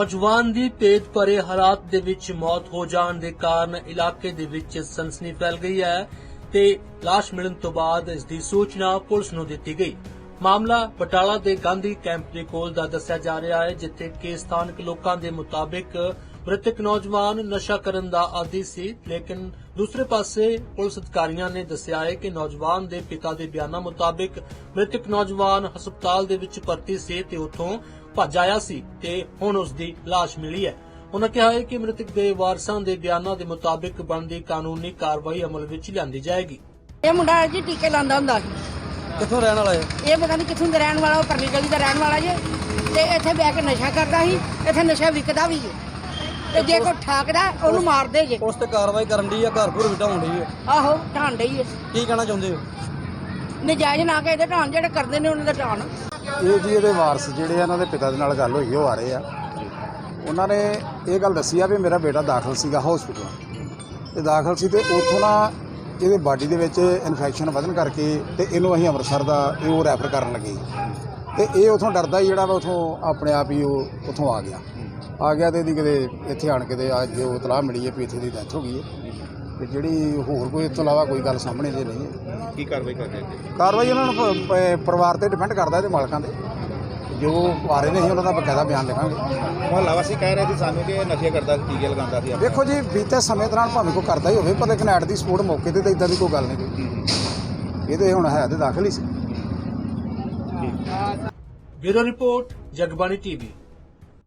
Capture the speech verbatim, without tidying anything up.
ਨੌਜਵਾਨ ਦੀ ਭੇਦ ਭਰੇ ਹਾਲਾਤ ਦੇ ਵਿੱਚ ਮੌਤ ਹੋ ਜਾਣ ਦੇ ਕਾਰਨ ਇਲਾਕੇ ਦੇ ਵਿੱਚ ਸਨਸਨੀ ਫੈਲ ਗਈ ਹੈ ਤੇ ਲਾਸ਼ ਮਿਲਣ ਤੋਂ ਬਾਅਦ ਇਸ ਦੀ ਸੂਚਨਾ ਪੁਲਿਸ ਨੂੰ ਦਿੱਤੀ ਗਈ। ਮਾਮਲਾ ਬਟਾਲਾ ਦੇ ਗਾਂਧੀ ਕੈਂਪ ਦੇ ਕੋਲ ਦਾ ਦੱਸਿਆ ਜਾ ਰਿਹਾ ਹੈ, ਜਿੱਥੇ ਕਿ ਸਥਾਨਕ ਲੋਕਾਂ ਦੇ ਮੁਤਾਬਿਕ ਮ੍ਰਿਤਕ ਨੌਜਵਾਨ ਨਸ਼ਾ ਕਰਨ ਦਾ ਆਦੀ ਸੀ, ਲੇਕਿਨ ਦੂਸਰੇ ਪਾਸੇ ਪੁਲਿਸ ਅਧਿਕਾਰੀਆਂ ਨੇ ਦੱਸਿਆ ਹੈ ਕਿ ਨੌਜਵਾਨ ਦੇ ਪਿਤਾ ਦੇ ਬਿਆਨਾਂ ਮੁਤਾਬਿਕ ਮ੍ਰਿਤਕ ਨੌਜਵਾਨ ਹਸਪਤਾਲ ਦੇ ਵਿੱਚ ਭਰਤੀ ਸੀ ਤੇ ਉੱਥੋਂ ਭੱਜ ਆਇਆ ਸੀ ਤੇ ਹੁਣ ਉਸ ਦੀ ਲਾਸ਼ ਮਿਲੀ ਹੈ। ਉਨ੍ਹਾਂ ਕਿਹਾ ਹੈ ਕਿ ਮ੍ਰਿਤਕ ਦੇ ਵਾਰਸਾਂ ਦੇ ਬਿਆਨਾਂ ਦੇ ਮੁਤਾਬਿਕ ਬਣਦੀ ਕਾਨੂੰਨੀ ਕਾਰਵਾਈ ਅਮਲ ਵਿੱਚ ਲਿਆਂਦੀ ਜਾਏਗੀ। ਇਹ ਮੁੰਡਾ ਜੀ ਟੀਕੇ ਲਾਉਂਦਾ ਹੁੰਦਾ ਸੀ। ਕਿੱਥੋਂ ਰਹਿਣ ਵਾਲਾ ਹੈ? ਇਹ ਪਤਾ ਨਹੀਂ ਕਿੱਥੋਂ ਦਾ ਰਹਿਣ ਵਾਲਾ, ਉਹ ਪਰਲੀ ਗਲੀ ਦਾ ਰਹਿਣ ਵਾਲਾ ਜੇ ਤੇ ਇੱਥੇ ਬਹਿ ਕੇ ਨਸ਼ਾ ਕਰਦਾ ਸੀ, ਇੱਥੇ ਨਸ਼ਾ ਵਿਕਦਾ ਵੀ ਜੇ ਤੇ ਜੇ ਕੋਈ ਠਾਕਦਾ ਉਹਨੂੰ ਮਾਰਦੇ ਜੇ। ਉਸ ਤੇ ਕਾਰਵਾਈ ਕਰਨ ਦੀ ਆ, ਘਰ ਘਰ ਵਿਟਾਉਣ ਦੀ ਹੈ। ਆਹੋ ਢਾਣ ਡਈ ਹੈ। ਕੀ ਕਹਿਣਾ ਚਾਹੁੰਦੇ ਹੋ? ਨਜਾਇਜ਼ ਨਾ ਕੇ ਇਹਦੇ ਢਾਣ, ਜਿਹੜੇ ਕਰਦੇ ਨੇ ਉਹਨਾਂ ਦਾ ਢਾਣ। ਇਹ ਜੀ ਇਹਦੇ ਵਾਰਸ ਜਿਹੜੇ ਆ, ਇਹਨਾਂ ਦੇ ਪਿਤਾ ਦੇ ਨਾਲ ਗੱਲ ਹੋਈ, ਉਹ ਆ ਰਹੇ ਆ। ਉਹਨਾਂ ਨੇ ਇਹ ਗੱਲ ਦੱਸੀ ਆ ਵੀ ਮੇਰਾ ਬੇਟਾ ਦਾਖਲ ਸੀਗਾ ਹਸਪੀਟਲ ਤੇ ਦਾਖਲ ਸੀ ਤੇ ਉੱਥੋਂ ਨਾ ਇਹਦੇ ਬਾਡੀ ਦੇ ਵਿੱਚ ਇਨਫੈਕਸ਼ਨ ਵਧਣ ਕਰਕੇ ਤੇ ਇਹਨੂੰ ਅਸੀਂ ਅੰਮ੍ਰਿਤਸਰ ਦਾ ਇਹ ਉਹ ਰੈਫਰ ਕਰਨ ਲੱਗੇ ਤੇ ਇਹ ਉੱਥੋਂ ਡਰਦਾ ਹੀ ਜਿਹੜਾ ਵਾ ਉੱਥੋਂ ਆਪਣੇ ਆਪ ਹੀ ਉਹ ਉੱਥੋਂ ਆ ਗਿਆ ਆ ਗਿਆ ਤੇ ਇਹਦੀ ਕਿਤੇ ਇੱਥੇ ਆਣ ਕੇ ਤੇ ਅੱਜ ਉਹ ਇਤਲਾਹ ਮਿਲੀ ਹੈ ਵੀ ਇੱਥੇ ਦੀ ਡੈਥ ਹੋ ਗਈ ਹੈ ਤੇ ਜਿਹੜੀ ਹੋਰ ਕੋਈ ਇਸ ਤੋਂ ਇਲਾਵਾ ਕੋਈ ਗੱਲ ਸਾਹਮਣੇ ਜੇ ਨਹੀਂ ਹੈ। ਕੀ ਕਾਰਵਾਈ ਕਰ ਰਹੇ ਹੋ? ਕਾਰਵਾਈ ਉਹਨਾਂ ਨੂੰ ਪ- ਪ- ਪਰਿਵਾਰ ਤੇ ਡਿਪੈਂਡ ਕਰਦਾ, ਇਹਦੇ ਮਾਲਕਾਂ ਦੇ ਜੋ ਆ ਰਹੇ ਨੇ ਅਸੀਂ ਉਹਨਾਂ ਦਾ ਬਕਾਇਦਾ ਬਿਆਨ ਲਿਖਾਂਗੇ। ਮੁਹੱਲਾ ਵਾਸੀ ਕਹਿ ਰਹੇ ਸੀ ਸਾਨੂੰ ਕਿ ਇਹ ਨਸ਼ੇ ਕਰਦਾ ਸੀ, ਟੀਕੇ ਲਗਾਉਂਦਾ ਸੀ। ਦੇਖੋ ਜੀ, ਬੀਤੇ ਸਮੇਂ ਦੌਰਾਨ ਭਾਵੇਂ ਕੋਈ ਕਰਦਾ ਹੀ ਹੋਵੇ, ਪਰ ਲੇਕਿਨ ਐਟ ਦੀ ਸਪੋਰਟ ਮੌਕੇ ਤੇ ਤਾਂ ਇਦਾਂ ਦੀ ਕੋਈ ਗੱਲ ਨਹੀਂ ਕੋਈ। ਇਹ ਤੇ ਹੁਣ ਹੈ ਤੇ ਦਾਖਲ ਹੀ ਸੀ। Bureau report, Jagbani TV.